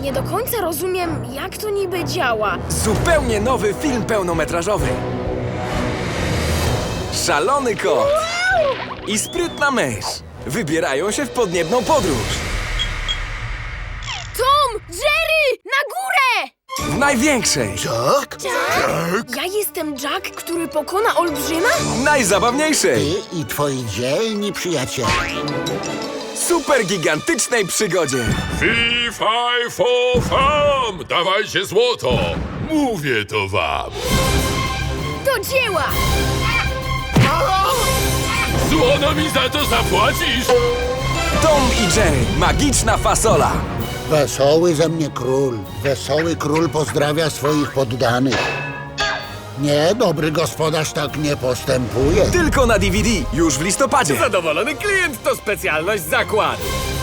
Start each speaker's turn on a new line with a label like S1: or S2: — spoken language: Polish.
S1: Nie do końca rozumiem, jak to niby działa.
S2: Zupełnie nowy film pełnometrażowy. Szalony kot i sprytna mysz wybierają się w podniebną podróż.
S1: Tom! Jerry! Na górę!
S2: W największej,
S3: Tak?
S1: Ja jestem Jack, który pokona olbrzyma?
S2: najzabawniejszej,
S3: Ty i twoi dzielni przyjaciele.
S2: super gigantycznej przygodzie.
S4: Fi, faj, fo, fam! Dawajcie złoto! Mówię to wam!
S1: Do dzieła!
S4: Złono mi za to zapłacisz!
S2: Tom i Jerry, magiczna fasola.
S3: Wesoły ze mnie król. Wesoły król pozdrawia swoich poddanych. Nie, dobry gospodarz tak nie postępuje.
S2: Tylko na DVD, już w listopadzie.
S5: Zadowolony klient to specjalność zakładu.